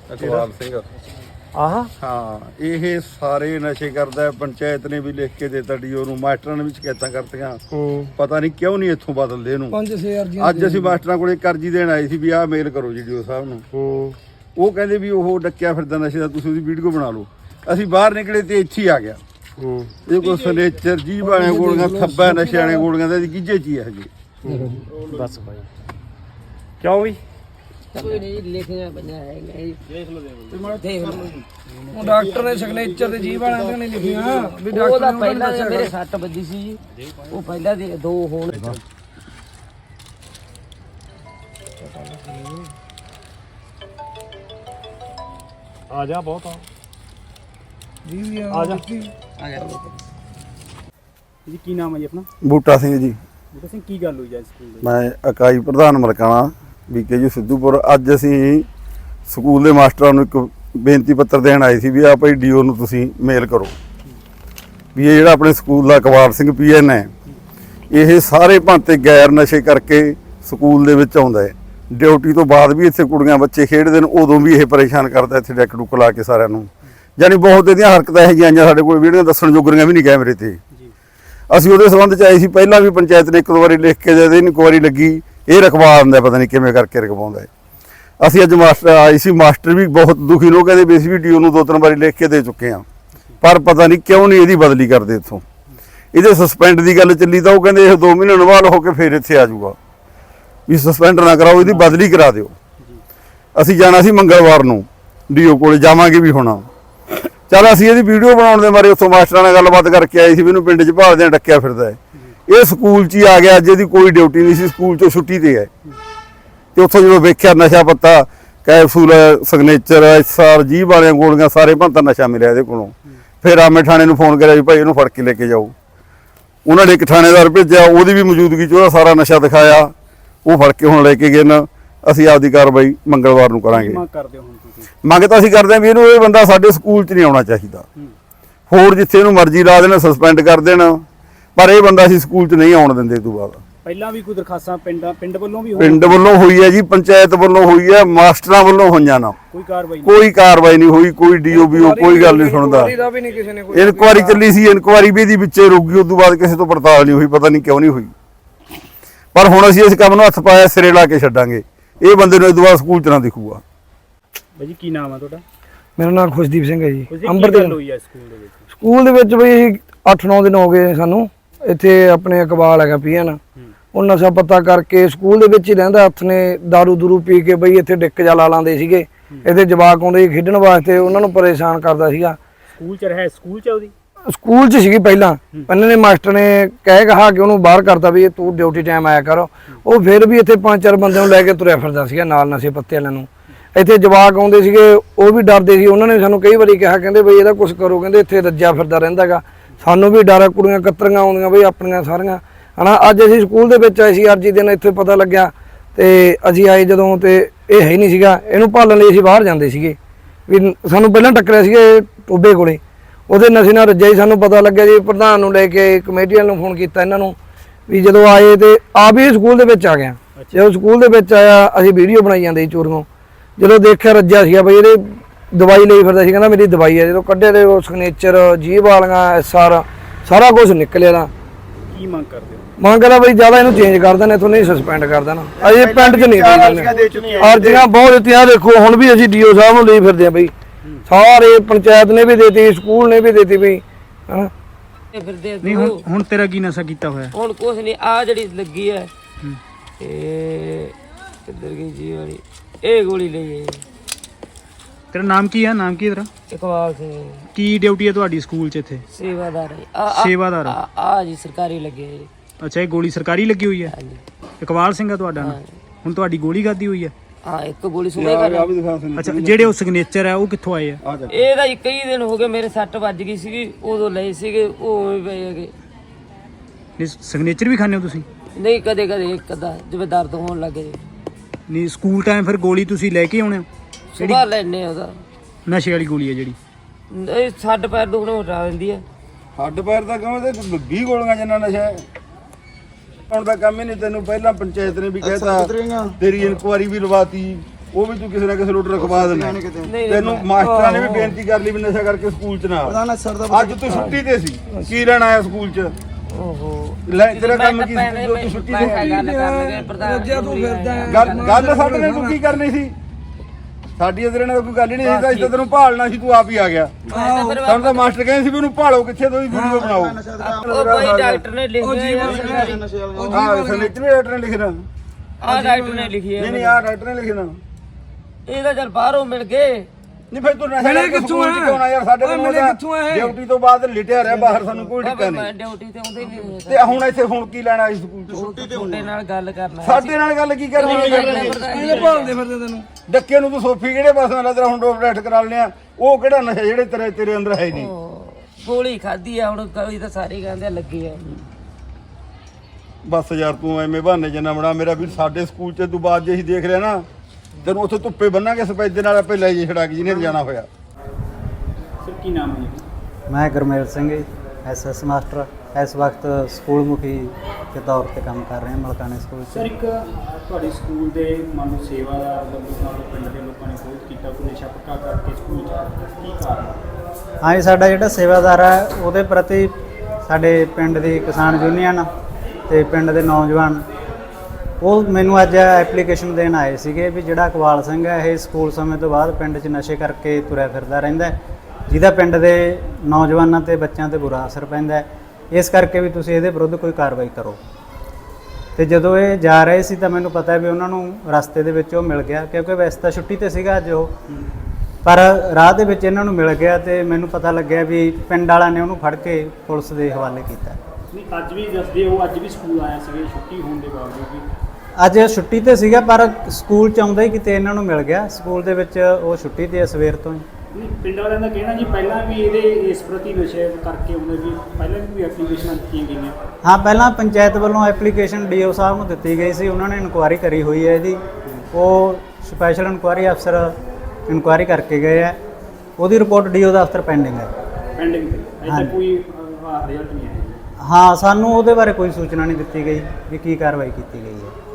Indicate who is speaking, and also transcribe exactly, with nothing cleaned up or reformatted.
Speaker 1: ਇਕਬਾਲ ਸਿੰਘ
Speaker 2: ਆਹ
Speaker 1: ਹਾਂ ਇਹ ਸਾਰੇ ਨਸ਼ੇ ਕਰਦਾ। ਪੰਚਾਇਤ ਨੇ ਵੀ ਲਿਖ ਕੇ ਦਿੱਤਾ, ਡੀਓ ਨੂੰ, ਮਾਸਟਰਾਂ ਨੇ ਵੀ ਸ਼ਿਕਾਇਤਾਂ ਕਰਤੀਆਂ। ਪਤਾ ਨਹੀਂ ਕਿਉਂ ਨਹੀਂ ਇੱਥੋਂ ਬਦਲਦੇ ਇਹਨੂੰ। ਅੱਜ ਅਸੀਂ ਮਾਸਟਰਾਂ ਕੋਲੇ ਕਰਜੀ ਦੇਣ ਆਏ ਸੀ ਵੀ ਆਹ ਮੇਲ ਕਰੋ ਜੀ ਡੀਓ ਸਾਹਿਬ ਨੂੰ। ਉਹ ਕਹਿੰਦੇ ਵੀ ਉਹ ਡੱਕਿਆ ਫਿਰਦਾ ਨਸ਼ੇ ਦਾ, ਤੁਸੀਂ ਉਹਦੀ ਵੀਡੀਓ ਬਣਾ ਲਓ। ਅਸੀਂ ਬਾਹਰ ਨਿਕਲੇ ਤੇ ਇੱਥੇ ਹੀ ਆ ਗਿਆ। ਇਹ ਕੋਈ ਸਨੇਚਰ ਜੀਭ ਵਾਲੀਆਂ ਗੋਲੀਆਂ, ਥੱਬਾ ਨਸ਼ੇ ਵਾਲੀਆਂ ਗੋਲੀਆਂ ਦਾ ਗਿੱਜੇ ਚ ਹੀ ਹੈ ਜੀ।
Speaker 2: ਬਸ ਭਾਈ ਕਿਉਂ ਵੀ
Speaker 3: ਕੋਈ ਨਹੀਂ ਲਿਖਿਆ ਬਣਿਆ ਹੈਗਾ ਇਹ ਦੇਖ ਲਓ ਦੇਖ ਲਓ
Speaker 4: ਉਹ ਡਾਕਟਰ ਨੇ ਸਿਗਨੇਚਰ ਤੇ ਜੀਭ ਵਾਲਿਆਂ ਦੇ ਨੇ ਲਿਖੀਆਂ ਵੀ ਡਾਕਟਰ
Speaker 3: ਉਹਦਾ ਪਹਿਲਾਂ ਦੇ ਮੇਰੇ ਸੱਟ ਵੱਜੀ ਸੀ ਜੀ, ਉਹ ਪਹਿਲਾਂ ਦੇ ਦੋ ਹੋਣ।
Speaker 2: ਆ ਜਾ ਬਹੁਤ ਆ
Speaker 4: ਜੀ
Speaker 2: ਆ ਜਾ
Speaker 3: ਆ ਗਿਆ
Speaker 2: ਜੀ। ਕੀ ਨਾਮ ਹੈ ਜੀ ਆਪਣਾ?
Speaker 1: ਬੂਟਾ ਸਿੰਘ ਜੀ।
Speaker 2: ਬੂਟਾ ਸਿੰਘ, ਕੀ ਗੱਲ ਹੋਈ ਜੀ ਸਕੂਲ ਦੇ?
Speaker 1: ਮੈਂ ਇਕਾਈ ਪ੍ਰਧਾਨ ਮਲਕਾਣਾ ਬੀਕੇ ਜੀ ਸਿੱਧੂਪੁਰ। ਅੱਜ ਅਸੀਂ ਸਕੂਲ ਦੇ ਮਾਸਟਰਾਂ ਨੂੰ ਇੱਕ ਬੇਨਤੀ ਪੱਤਰ ਦੇਣ ਆਏ ਸੀ ਵੀ ਆ ਭਾਈ ਡੀਓ ਨੂੰ ਤੁਸੀਂ ਮੇਲ ਕਰੋ ਵੀ ਇਹ ਜਿਹੜਾ ਆਪਣੇ ਸਕੂਲ ਦਾ ਇਕਬਾਲ ਸਿੰਘ ਪੀਐਨ ਹੈ, ਇਹ ਸਾਰੇ ਭਾਂਤੇ ਗੈਰ ਨਸ਼ੇ ਕਰਕੇ ਸਕੂਲ ਦੇ ਵਿੱਚ ਆਉਂਦਾ ਹੈ। ਡਿਊਟੀ ਤੋਂ ਬਾਅਦ ਵੀ ਇੱਥੇ ਕੁੜੀਆਂ ਬੱਚੇ ਖੇਡਦੇ ਨੇ, ਉਦੋਂ ਵੀ ਇਹ ਪਰੇਸ਼ਾਨ ਕਰਦਾ ਇੱਥੇ ਡੈਕ ਡੁੱਕ ਲਾ ਕੇ ਸਾਰਿਆਂ ਨੂੰ। ਯਾਨੀ ਬਹੁਤ ਇਹਦੀਆਂ ਹਰਕਤਾਂ ਇਹੋ ਜਿਹੀਆਂ ਆਈਆਂ ਸਾਡੇ ਕੋਲ, ਵੀਡੀਓ ਦੱਸਣ ਜੋਗਰੀਆਂ ਵੀ ਨਹੀਂ ਕੈਮਰੇ ਤੇ। ਅਸੀਂ ਉਹਦੇ ਸੰਬੰਧ ਚ ਆਏ ਸੀ। ਪਹਿਲਾਂ ਵੀ ਪੰਚਾਇਤ ਨੇ ਇੱਕ ਦੋ ਵਾਰੀ ਲਿਖ ਕੇ ਜਦ ਇਨਕੁਆਰੀ ਲੱਗੀ, ਇਹ ਰਖਵਾ ਦਿੰਦਾ, ਪਤਾ ਨਹੀਂ ਕਿਵੇਂ ਕਰਕੇ ਰਖਵਾਉਂਦਾ ਹੈ। ਅਸੀਂ ਅੱਜ ਮਾਸਟਰ ਆਏ ਸੀ, ਮਾਸਟਰ ਵੀ ਬਹੁਤ ਦੁਖੀ ਲੋਕ ਕਹਿੰਦੇ ਵੀ ਅਸੀਂ ਵੀ ਡੀਓ ਨੂੰ ਦੋ ਤਿੰਨ ਵਾਰੀ ਲਿਖ ਕੇ ਦੇ ਚੁੱਕੇ ਹਾਂ, ਪਰ ਪਤਾ ਨਹੀਂ ਕਿਉਂ ਨਹੀਂ ਇਹਦੀ ਬਦਲੀ ਕਰਦੇ ਇੱਥੋਂ। ਇਹਦੇ ਸਸਪੈਂਡ ਦੀ ਗੱਲ ਚੱਲੀ ਤਾਂ ਉਹ ਕਹਿੰਦੇ ਇਹ ਦੋ ਮਹੀਨੇ ਨਵਾਲ ਹੋ ਕੇ ਫਿਰ ਇੱਥੇ ਆ ਜਾਊਗਾ, ਵੀ ਸਸਪੈਂਡ ਨਾ ਕਰਾਓ, ਇਹਦੀ ਬਦਲੀ ਕਰਾ ਦਿਓ। ਅਸੀਂ ਜਾਣਾ ਸੀ ਮੰਗਲਵਾਰ ਨੂੰ ਡੀਓ ਕੋਲ, ਜਾਵਾਂਗੇ ਵੀ ਹੋਣਾ। ਚੱਲ ਅਸੀਂ ਇਹਦੀ ਵੀਡੀਓ ਬਣਾਉਣ ਦੇ ਮਾਰੇ ਉੱਥੋਂ ਮਾਸਟਰਾਂ ਨਾਲ ਗੱਲਬਾਤ ਕਰਕੇ ਆਏ ਸੀ ਵੀ ਇਹਨੂੰ ਪਿੰਡ 'ਚ ਭਾਲਦੇ ਆ, ਡੱਕਿਆ ਫਿਰਦਾ ਹੈ। ਇਹ ਸਕੂਲ 'ਚ ਹੀ ਆ ਗਿਆ, ਅੱਜ ਇਹਦੀ ਕੋਈ ਡਿਊਟੀ ਨਹੀਂ ਸੀ, ਸਕੂਲ 'ਚੋਂ ਛੁੱਟੀ ਤੇ ਹੈ। ਤੇ ਉੱਥੋਂ ਜਦੋਂ ਵੇਖਿਆ ਨਸ਼ਾ ਪੱਤਾ, ਕੈਪਸੂਲ, ਸਿਗਨੇਚਰ, ਐਸਆਰ, ਜੀਭ ਵਾਲੀਆਂ ਗੋਲੀਆਂ, ਸਾਰੇ ਭਾਂਤਾ ਨਸ਼ਾ ਮਿਲਿਆ ਇਹਦੇ ਕੋਲੋਂ। ਫਿਰ ਆਮੇ ਥਾਣੇ ਨੂੰ ਫੋਨ ਕਰਿਆ ਵੀ ਭਾਈ ਇਹਨੂੰ ਫੜ ਕੇ ਲੈ ਕੇ ਜਾਓ। ਉਹਨਾਂ ਨੇ ਇੱਕ ਥਾਣੇਦਾਰ ਭੇਜਿਆ, ਉਹਦੀ ਵੀ ਮੌਜੂਦਗੀ 'ਚ ਉਹਦਾ ਸਾਰਾ ਨਸ਼ਾ ਦਿਖਾਇਆ, ਉਹ ਫੜ ਕੇ ਹੁਣ ਲੈ ਕੇ ਗਏ ਨਾ। ਅਸੀਂ ਆਪਦੀ ਕਾਰਵਾਈ ਮੰਗਲਵਾਰ ਨੂੰ ਕਰਾਂਗੇ।
Speaker 2: ਮੰਗ ਕਰਦੇ ਹੋ ਹੁਣ ਤੁਸੀਂ?
Speaker 1: ਮੰਗ ਤਾਂ ਅਸੀਂ ਕਰਦੇ ਹਾਂ ਵੀ ਇਹਨੂੰ, ਇਹ ਬੰਦਾ ਸਾਡੇ ਸਕੂਲ 'ਚ ਨਹੀਂ ਆਉਣਾ ਚਾਹੀਦਾ। ਹੋਰ ਜਿੱਥੇ ਇਹਨੂੰ ਮਰਜ਼ੀ ਲਾ ਦੇਣ, ਸਸਪੈਂਡ ਕਰ ਦੇਣ, ਪਰ ਇਹ ਬੰਦਾ ਅਸੀਂ ਸਕੂਲ 'ਚ ਨਹੀਂ ਆਉਣ ਦਿੰਦੇ ਇਹ ਤੋਂ ਬਾਅਦ।
Speaker 2: ਪਹਿਲਾਂ ਵੀ ਕੋਈ ਦਰਖਾਸਤਾਂ ਪਿੰਡਾਂ ਪਿੰਡ ਵੱਲੋਂ ਵੀ
Speaker 1: ਪਿੰਡ ਵੱਲੋਂ ਹੋਈ ਹੈ ਜੀ, ਪੰਚਾਇਤ ਵੱਲੋਂ ਹੋਈ ਹੈ, ਮਾਸਟਰਾਂ ਵੱਲੋਂ ਹੋਈਆਂ ਨਾ,
Speaker 2: ਕੋਈ ਕਾਰਵਾਈ
Speaker 1: ਕੋਈ ਕਾਰਵਾਈ ਨਹੀਂ ਹੋਈ, ਕੋਈ ਡੀਓਬੀਓ ਕੋਈ ਗੱਲ ਨਹੀਂ ਸੁਣਦਾ। ਇਨਕੁਆਰੀ ਚੱਲੀ ਸੀ, ਇਨਕੁਆਰੀ ਵੀ ਇਹਦੀ ਵਿੱਚੇ ਰੁਕ ਗਈ, ਉਸ ਤੋਂ ਬਾਅਦ ਕਿਸੇ ਤੋਂ ਪੜਤਾਲ ਨਹੀਂ ਹੋਈ, ਪਤਾ ਨਹੀਂ ਕਿਉਂ ਨਹੀਂ ਹੋਈ। ਪਰ ਹੁਣ ਅਸੀਂ ਇਸ ਕੰਮ ਨੂੰ ਹੱਥ ਪਾਇਆ, ਸਿਰੇ ਲਾ ਕੇ ਛੱਡਾਂਗੇ। ਇਹ ਬੰਦੇ ਨੂੰ ਇਸ ਤੋਂ ਬਾਅਦ ਸਕੂਲ 'ਚ ਨਾ ਦਿਖੂਗਾ।
Speaker 2: ਬਾਈ ਜੀ ਕੀ ਨਾਮ ਹੈ ਤੁਹਾਡਾ?
Speaker 4: ਮੇਰਾ ਨਾਮ ਖੁਸ਼ਦੀਪ ਸਿੰਘ ਹੈ ਜੀ।
Speaker 2: ਅੰਬਰ ਦੇ ਹੋਈ ਹੈ ਸਕੂਲ ਦੇ ਵਿੱਚ?
Speaker 4: ਸਕੂਲ ਦੇ ਵਿੱਚ ਬਈ ਅੱਠ ਨੌ ਦਿਨ ਹੋ ਗਏ ਸਾਨੂੰ। ਇੱਥੇ ਆਪਣੇ ਇਕਬਾਲ ਹੈਗਾ ਪੀਐਨ, ਉਹ ਨਸ਼ਾ ਪੱਤਾ ਕਰਕੇ ਸਕੂਲ ਦੇ ਵਿੱਚ ਹੀ ਰਹਿੰਦਾ। ਹੱਥ ਨੇ ਦਾਰੂ ਦੂਰੂ ਪੀ ਕੇ ਬਈ ਇੱਥੇ ਡਿੱਕ ਜਾ ਲਾ ਲਾਉਂਦੇ ਸੀਗੇ। ਇਹਦੇ ਜਵਾਕ ਆਉਂਦੇ ਸੀ ਖੇਡਣ ਵਾਸਤੇ, ਉਹਨਾਂ ਨੂੰ ਪਰੇਸ਼ਾਨ ਕਰਦਾ ਸੀਗਾ।
Speaker 2: ਸਕੂਲ 'ਚ ਰਿਹਾ? ਸਕੂਲ 'ਚ ਉਹਦੀ
Speaker 4: ਸਕੂਲ 'ਚ ਸੀਗੀ ਪਹਿਲਾਂ। ਇਹਨਾਂ ਨੇ ਮਾਸਟਰ ਨੇ ਕਹਿ ਕਹਾ ਕਿ ਉਹਨੂੰ ਬਾਹਰ ਕਰਤਾ ਵੀ ਤੂੰ ਡਿਊਟੀ ਟਾਈਮ ਆਇਆ ਕਰ। ਉਹ ਫਿਰ ਵੀ ਇੱਥੇ ਪੰਜ ਚਾਰ ਬੰਦਿਆਂ ਨੂੰ ਲੈ ਕੇ ਤੁਰਿਆ ਫਿਰਦਾ ਸੀਗਾ ਨਾਲ, ਨਸ਼ੇ ਪੱਤੇ ਵਾਲਿਆਂ ਨੂੰ। ਇੱਥੇ ਜਵਾਕ ਆਉਂਦੇ ਸੀਗੇ, ਉਹ ਵੀ ਡਰਦੇ ਸੀ। ਉਹਨਾਂ ਨੇ ਸਾਨੂੰ ਕਈ ਵਾਰੀ ਕਿਹਾ, ਕਹਿੰਦੇ ਬਈ ਇਹਦਾ ਕੁਛ ਕਰੋ, ਕਹਿੰਦੇ ਇੱਥੇ ਰੱਜਿਆ ਫਿਰਦਾ ਰਹਿੰਦਾ ਗਾ। ਸਾਨੂੰ ਵੀ ਡਰ, ਕੁੜੀਆਂ ਕਤਰੀਆਂ ਆਉਂਦੀਆਂ ਬਈ ਆਪਣੀਆਂ ਸਾਰੀਆਂ, ਹਨਾ। ਅੱਜ ਅਸੀਂ ਸਕੂਲ ਦੇ ਵਿੱਚ ਆਏ ਸੀ, ਅਰਜੀ ਦਿਨ ਇੱਥੇ ਪਤਾ ਲੱਗਿਆ ਤੇ ਅਸੀਂ ਆਏ ਜਦੋਂ, ਤੇ ਇਹ ਹੈ ਹੀ ਨਹੀਂ ਸੀਗਾ। ਇਹਨੂੰ ਭਾਲਣ ਲਈ ਅਸੀਂ ਬਾਹਰ ਜਾਂਦੇ ਸੀਗੇ, ਵੀ ਸਾਨੂੰ ਪਹਿਲਾਂ ਟੱਕਰਿਆ ਸੀਗਾ ਇਹ ਟੋਬੇ ਕੋਲੇ, ਉਹਦੇ ਨਸ਼ੇ ਨਾਲ ਰੱਜਿਆ ਹੀ। ਸਾਨੂੰ ਪਤਾ ਲੱਗਿਆ ਜੀ, ਪ੍ਰਧਾਨ ਨੂੰ ਲੈ ਕੇ ਕਮੇਟੀ ਵਾਲਿਆਂ ਨੂੰ ਫੋਨ ਕੀਤਾ ਇਹਨਾਂ ਨੂੰ, ਵੀ ਜਦੋਂ ਆਏ ਤੇ ਆਪ ਹੀ ਸਕੂਲ ਦੇ ਵਿੱਚ ਆ ਗਿਆ। ਜਦੋਂ ਸਕੂਲ ਦੇ ਵਿੱਚ ਆਇਆ, ਅਸੀਂ ਵੀਡੀਓ ਬਣਾਈ ਜਾਂਦੇ ਸੀ ਚੋਰੀਆਂ। ਜਦੋਂ ਦੇਖਿਆ ਰੱਜਿਆ ਸੀਗਾ ਬਈ, ਇਹਦੇ ਦਵਾਈ ਲਈ ਫਿਰਦਾ ਸੀ, ਕਹਿੰਦਾ ਮੇਰੀ ਦਵਾਈ ਹੈ। ਜਦੋਂ ਕੱਢਿਆ ਤੇ ਉਹ ਸਿਗਨੇਚਰ, ਜੀਭ ਵਾਲੀਆਂ, ਐਸਆਰ, ਸਾਰਾ ਕੁਝ ਨਿਕਲਿਆ ਦਾ।
Speaker 2: ਕੀ ਮੰਗ ਕਰਦੇ ਹੋ?
Speaker 4: ਮੰਗ ਕਰਦਾ ਬਈ ਜਿਆਦਾ ਇਹਨੂੰ ਚੇਂਜ ਕਰ ਦੇਣਾ, ਇੱਥੋਂ ਨਹੀਂ ਸਸਪੈਂਡ ਕਰ ਦੇਣਾ। ਅਜੇ ਪਿੰਡ 'ਚ ਨਹੀਂ ਅਰਜ਼ੀਆਂ ਬਹੁਤ ਦਿੱਤੀਆਂ। ਦੇਖੋ ਹੁਣ ਵੀ ਅਸੀਂ ਡੀਓ ਸਾਹਿਬ ਨੂੰ ਲਈ ਫਿਰਦੇ ਆ ਬਈ, ਸਾਰੇ ਪੰਚਾਇਤ ਨੇ ਵੀ ਦੇਤੀ, ਸਕੂਲ ਨੇ ਵੀ ਦੇਤੀ ਬਈ, ਹਨਾ।
Speaker 2: ਨਹੀਂ ਹੁਣ ਹੁਣ ਤੇਰਾ ਕੀ ਨਸ਼ਾ ਕੀਤਾ ਹੋਇਆ?
Speaker 3: ਹੁਣ ਕੁਛ ਨਹੀਂ, ਆ ਜਿਹੜੀ ਲੱਗੀ ਹੈ ਇਹ ਕਿੱਧਰ ਗਈ ਜੀ ਵਾਲੀ, ਇਹ ਗੋਲੀ ਲਈ ਹੈ।
Speaker 2: ਤੇਰਾ ਨਾਮ ਕੀ ਹੈ? ਨਾਮ ਕੀ ਤੇਰਾ?
Speaker 3: ਇਕਬਾਲ ਸਿੰਘ।
Speaker 2: ਕੀ ਡਿਊਟੀ ਹੈ ਤੁਹਾਡੀ ਸਕੂਲ 'ਚ ਇੱਥੇ?
Speaker 3: ਸੇਵਾਦਾਰ
Speaker 2: ਸੇਵਾਦਾਰ
Speaker 3: ਆ ਜੀ, ਸਰਕਾਰੀ ਲੱਗੇ ਜੀ।
Speaker 2: ਅੱਛਾ, ਇਹ ਗੋਲੀ ਸਰਕਾਰੀ ਲੱਗੀ ਹੋਈ ਹੈ?
Speaker 3: ਹਾਂਜੀ।
Speaker 2: ਇਕਬਾਲ ਸਿੰਘ ਆ ਤੁਹਾਡਾ ਨਾਮ? ਹੁਣ ਤੁਹਾਡੀ ਗੋਲੀ ਖਾਧੀ ਹੋਈ ਹੈ?
Speaker 3: ਹਾਂ, ਇੱਕ ਗੋਲੀ ਸੁਣੇ ਕਰ।
Speaker 2: ਅੱਛਾ, ਜਿਹੜੇ ਉਹ ਸਿਗਨੇਚਰ ਹੈ ਉਹ ਕਿੱਥੋਂ ਆਏ ਆ?
Speaker 3: ਇਹਦਾ ਹੀ ਕਈ ਦਿਨ ਹੋ ਗਏ, ਮੇਰੇ ਸੱਟ ਵੱਜ ਗਈ ਸੀਗੀ, ਉਦੋਂ ਲਏ ਸੀਗੇ, ਉਹ ਉਵੇਂ ਪਏ ਹੈਗੇ।
Speaker 2: ਨਹੀਂ, ਸਿਗਨੇਚਰ ਵੀ ਖਾਂਦੇ ਹੋ ਤੁਸੀਂ?
Speaker 3: ਨਹੀਂ, ਕਦੇ ਕਦੇ ਇੱਕ ਅੱਧਾ, ਜਿਵੇਂ ਦਰਦ ਹੋਣ ਲੱਗੇ ਜੀ।
Speaker 2: ਨਹੀਂ, ਸਕੂਲ ਟਾਈਮ ਫਿਰ ਗੋਲੀ ਤੁਸੀਂ ਲੈ ਕੇ ਆਉਣੇ ਹੋ?
Speaker 3: ਸੁਭਾ ਲੈਣੇ ਉਹਦਾ
Speaker 2: ਨਸ਼ੇ ਵਾਲੀ ਗੋਲੀ ਹੈ ਜਿਹੜੀ?
Speaker 3: ਇਹ ਛੱਡ ਪੈਰ ਦੁਖਣੇ ਹਟਾ ਦਿੰਦੀ ਹੈ।
Speaker 1: ਹੱਡ ਪੈਰ ਦਾ ਕੰਮ ਤੇ ਵੀਹ ਗੋਲੀਆਂ ਜਿੰਨਾ ਨਸ਼ਾ ਹੁਣ ਦਾ ਕੰਮ ਹੀ ਨਹੀਂ। ਤੈਨੂੰ ਪਹਿਲਾਂ ਪੰਚਾਇਤ ਨੇ ਵੀ ਕਹਿਤਾ, ਤੇਰੀ ਇਨਕੁਆਰੀ ਵੀ ਲਵਾਤੀ, ਉਹ ਵੀ ਤੂੰ ਕਿਸੇ ਨਾ ਕਿਸੇ ਲੋਟ ਰਖਵਾ ਦੇਣਾ। ਤੈਨੂੰ ਮਾਸਟਰਾਂ ਨੇ ਵੀ ਬੇਨਤੀ ਕਰ ਲਈ ਵੀ ਨਸ਼ਾ ਕਰਕੇ ਸਕੂਲ ਚ ਨਾ ਆ। ਅੱਜ ਤੂੰ ਛੁੱਟੀ ਤੇ ਸੀ, ਕੀ ਲੈਣ ਆਇਆ ਸਕੂਲ ਚ?
Speaker 3: ਓਹੋ
Speaker 1: ਲੈ ਤੇਰਾ ਕੰਮ ਕੀ ਸੀ ਜੋ ਤੂੰ ਛੁੱਟੀ ਤੇ?
Speaker 3: ਗੱਲ ਕਰਨ ਲੱਗੇ ਪ੍ਰਧਾਨ ਜੀ
Speaker 4: ਤੂੰ ਫਿਰਦਾ ਹੈ।
Speaker 1: ਗੱਲ ਗੱਲ ਸਾਡੇ ਨਾਲ ਤੂੰ ਕੀ ਕਰਨੀ ਸੀ? ਸਾਡੀ ਅਦਰੇ ਨਾਲ ਕੋਈ ਗੱਲ ਹੀ ਨਹੀਂ ਸੀ ਤਾਂ ਇਸ ਤੈਨੂੰ ਭਾਲਣਾ ਸੀ, ਤੂੰ ਆਪ ਹੀ ਆ ਗਿਆ। ਸਾਨੂੰ ਤਾਂ ਮਾਸਟਰ ਕਹਿੰਦੇ ਸੀ ਵੀ ਉਹਨੂੰ ਭਾਲੋ ਕਿੱਥੇ ਤੋਂ ਵੀਡੀਓ ਬਣਾਓ।
Speaker 3: ਉਹ ਕੋਈ ਡਾਕਟਰ ਨੇ ਲਿਖਿਆ
Speaker 1: ਹਾਂ ਸੈਨੇਟਰੀ ਡਾਕਟਰ ਨੇ ਲਿਖਣਾ।
Speaker 3: ਆ ਡਾਕਟਰ ਨੇ ਲਿਖੀ ਹੈ
Speaker 1: ਨਹੀਂ ਨਹੀਂ ਆਹ ਡਾਕਟਰ ਨੇ ਲਿਖਣਾ।
Speaker 3: ਇਹਦਾ ਚੱਲ ਬਾਹਰੋਂ ਮਿਲ ਗਏ।
Speaker 1: ਨਹੀਂ ਫਿਰ ਤੂੰ ਨਸ਼ਾ
Speaker 4: ਮਿਲੇ
Speaker 1: ਕਰਕੇ
Speaker 4: ਕਿੱਥੋਂ
Speaker 1: ਸਕੂਲ ਚ
Speaker 4: ਆ?
Speaker 1: ਕਿਉਂ ਨਾ ਯਾਰ? ਸਾਡੇ
Speaker 4: ਓਏ
Speaker 1: ਕੋਲ
Speaker 4: ਮਿਲੇ
Speaker 1: ਤਾਂ
Speaker 4: ਕਿੱਥੋਂ ਆ ਇਹ?
Speaker 1: ਡਿਊਟੀ ਤੋਂ ਬਾਅਦ ਲਿਟਿਆ ਰਿਹਾ ਬਾਹਰ, ਸਾਨੂੰ ਕੋਈ ਟਿੱਕਾ
Speaker 3: ਮੈਂ
Speaker 1: ਨਹੀਂ।
Speaker 3: ਡਿਊਟੀ ਤੇ ਆਉਂਦੇ ਨਹੀਂ
Speaker 1: ਤੇ ਹੁਣ ਇੱਥੇ ਹੁਣ ਕੀ ਲੈਣਾ ਇਸ ਸਕੂਲ ਚ?
Speaker 3: ਤੁਹਾਡੇ ਨਾਲ ਗੱਲ ਕਰਨਾ ਹੈ।
Speaker 1: ਸਾਡੇ ਨਾਲ ਗੱਲ ਕੀ ਕਰਨੀ ਹੈ?
Speaker 4: ਇਹਨੇ ਭਾਲਦੇ ਫਿਰਦੇ ਤੈਨੂੰ।
Speaker 1: ਡੱਕੇ ਨੂੰ ਤੂੰ ਸੋਫੀ ਕਿਹੜੇ ਪਾਸੇ ਨਾਲ ਤੇਰਾ ਹੁਣ ਡੋਪ ਡੈਟ ਕਰਾ ਲੈਣੇ ਆ? ਉਹ ਕਿਹੜਾ ਨਸ਼ਾ ਜਿਹੜੇ ਤੇਰੇ ਤੇਰੇ ਅੰਦਰ ਹੈ ਨਹੀਂ?
Speaker 3: ਉਹ ਗੋਲੀ ਖਾਧੀ ਆ ਹੁਣ, ਕੋਈ ਤਾਂ ਸਾਰੇ ਕਹਿੰਦੇ ਆ ਲੱਗੀ ਆ।
Speaker 1: ਬਸ ਯਾਰ ਤੂੰ ਐਵੇਂ ਬਹਾਨੇ ਜਨਾ ਬਣਾ ਮੇਰਾ ਵੀਰ। ਸਾਡੇ ਸਕੂਲ ਚ ਤੂੰ ਬਾਅਦ ਜੇ ਅਸੀਂ ਦੇਖ ਲਿਆ ਨਾ, ਤੈਨੂੰ ਉੱਥੇ ਧੁੱਪੇ ਬੰਨਾਂਗੇ ਸਫੈਦੇ ਨਾਲ, ਆਪੇ ਲੈ ਜੇ ਛੜਾ ਕੇ ਜਿਹਨੇ ਜਾਣਾ ਹੋਇਆ।
Speaker 2: ਸਰ ਕੀ ਨਾਮ ਹੈ ਜੀ?
Speaker 5: मैं Gurmel Singh S S master इस वक्त स्कूल मुखी के तौर पे काम कर रहे हैं मलकाने स्कूल
Speaker 2: ਸਰ
Speaker 5: से।
Speaker 2: ਇੱਕ ਤੁਹਾਡੇ ਸਕੂਲ ਦੇ ਮੰਨ ਲਓ ਸੇਵਾਦਾਰ ਵੱਲੋਂ ਮੰਨ ਲਓ ਪਿੰਡ ਦੇ ਲੋਕਾਂ ਨੇ ਬਹੁਤ ਕੀਤਾ, ਕੋਈ ਨਸ਼ਾ ਪੱਕਾ ਕਰਕੇ ਸਕੂਲ ਚ ਕੀ ਕਾਰਨ?
Speaker 5: हाँ जी साडा जिहड़ा सेवादार है ਉਹਦੇ ਪ੍ਰਤੀ ਸਾਡੇ ਪਿੰਡ ਦੀ ਕਿਸਾਨ ਯੂਨੀਅਨ ਤੇ ਪਿੰਡ ਦੇ ਨੌਜਵਾਨ ਉਹ ਮੈਨੂੰ ਅੱਜ ਐਪਲੀਕੇਸ਼ਨ ਦੇਣ ਆਏ ਸੀਗੇ ਵੀ ਜਿਹੜਾ ਇਕਬਾਲ ਸਿੰਘ ਹੈ ਇਹ ਸਕੂਲ ਸਮੇਂ ਤੋਂ ਬਾਅਦ ਪਿੰਡ 'ਚ ਨਸ਼ੇ ਕਰਕੇ ਤੁਰਿਆ ਫਿਰਦਾ ਰਹਿੰਦਾ ਹੈ, ਜਿਹਦਾ ਪਿੰਡ ਦੇ ਨੌਜਵਾਨਾਂ ਤੇ ਬੱਚਿਆਂ ਤੇ ਬੁਰਾ ਅਸਰ ਪੈਂਦਾ ਹੈ, ਇਸ ਕਰਕੇ ਵੀ ਤੁਸੀਂ ਇਹਦੇ ਵਿਰੁੱਧ ਕੋਈ ਕਾਰਵਾਈ ਕਰੋ। ਤੇ ਜਦੋਂ ਇਹ ਜਾ ਰਹੇ ਸੀ ਤਾਂ ਮੈਨੂੰ ਪਤਾ ਵੀ ਉਹਨਾਂ ਨੂੰ ਰਸਤੇ ਦੇ ਵਿੱਚ ਉਹ ਮਿਲ ਗਿਆ, ਕਿਉਂਕਿ ਵੈਸੇ ਤਾਂ ਛੁੱਟੀ ਤੇ ਸੀਗਾ ਅੱਜ ਉਹ, ਪਰ ਰਾਹ ਦੇ ਵਿੱਚ ਇਹਨਾਂ ਨੂੰ ਮਿਲ ਗਿਆ ਤੇ ਮੈਨੂੰ ਪਤਾ ਲੱਗਿਆ ਵੀ ਪਿੰਡ ਵਾਲਿਆਂ ਨੇ ਉਹਨੂੰ ਫੜ ਕੇ ਪੁਲਿਸ ਦੇ ਹਵਾਲੇ ਕੀਤਾ।
Speaker 2: ਨਹੀਂ ਅੱਜ ਵੀ ਦੱਸਦੇ ਹੋ, ਅੱਜ ਵੀ ਸਕੂਲ ਆਇਆ ਸੀਗੇ ਛੁੱਟੀ ਹੋਣ ਦੇ ਬਾਵਜੂਦ ਵੀ।
Speaker 5: ਅੱਜ ਛੁੱਟੀ ਤੇ ਸੀਗਾ ਪਰ ਸਕੂਲ ਚ ਆਉਂਦਾ ਹੀ ਕਿਤੇ ਇਹਨਾਂ ਨੂੰ ਮਿਲ ਗਿਆ। ਸਕੂਲ ਦੇ ਵਿੱਚ ਉਹ ਛੁੱਟੀ ਤੇ ਆ ਸਵੇਰ ਤੋਂ ਹੀ।
Speaker 2: ਨਹੀਂ ਪਿੰਡ ਵਾਲਿਆਂ ਦਾ ਕਹਿਣਾ ਜੀ ਪਹਿਲਾਂ ਵੀ ਇਹਦੇ ਇਸ ਪ੍ਰਤੀ ਨਸ਼ੇ ਕਰਕੇ ਆਉਂਦੇ ਵੀ ਪਹਿਲਾਂ ਵੀ ਕੋਈ ਐਪਲੀਕੇਸ਼ਨਾਂ ਦਿੱਤੀਆਂ ਗਈਆਂ।
Speaker 5: ਹਾਂ ਪਹਿਲਾਂ ਪੰਚਾਇਤ ਵੱਲੋਂ ਐਪਲੀਕੇਸ਼ਨ ਡੀਓ ਸਾਹਿਬ ਨੂੰ ਦਿੱਤੀ ਗਈ ਸੀ, ਉਹਨਾਂ ਨੇ ਇਨਕੁਆਇਰੀ ਕਰੀ ਹੋਈ ਹੈ ਇਹਦੀ। ਉਹ ਸਪੈਸ਼ਲ ਇਨਕੁਆਇਰੀ ਅਫਸਰ ਇਨਕੁਆਇਰੀ ਕਰਕੇ ਗਏ ਹੈ, ਉਹਦੀ ਰਿਪੋਰਟ ਡੀਓ ਦਫ਼ਤਰ ਪੈਂਡਿੰਗ ਹੈ।
Speaker 2: ਪੈਂਡਿੰਗ ਤੇ ਅਜੇ ਤੱਕ ਕੋਈ ਰਿਜ਼ਲਟ ਨਹੀਂ ਆਇਆ।
Speaker 5: ਹਾਂ ਸਾਨੂੰ ਉਹਦੇ ਬਾਰੇ ਕੋਈ ਸੂਚਨਾ ਨਹੀਂ ਦਿੱਤੀ ਗਈ ਵੀ ਕੀ ਕਾਰਵਾਈ ਕੀਤੀ ਗਈ ਹੈ।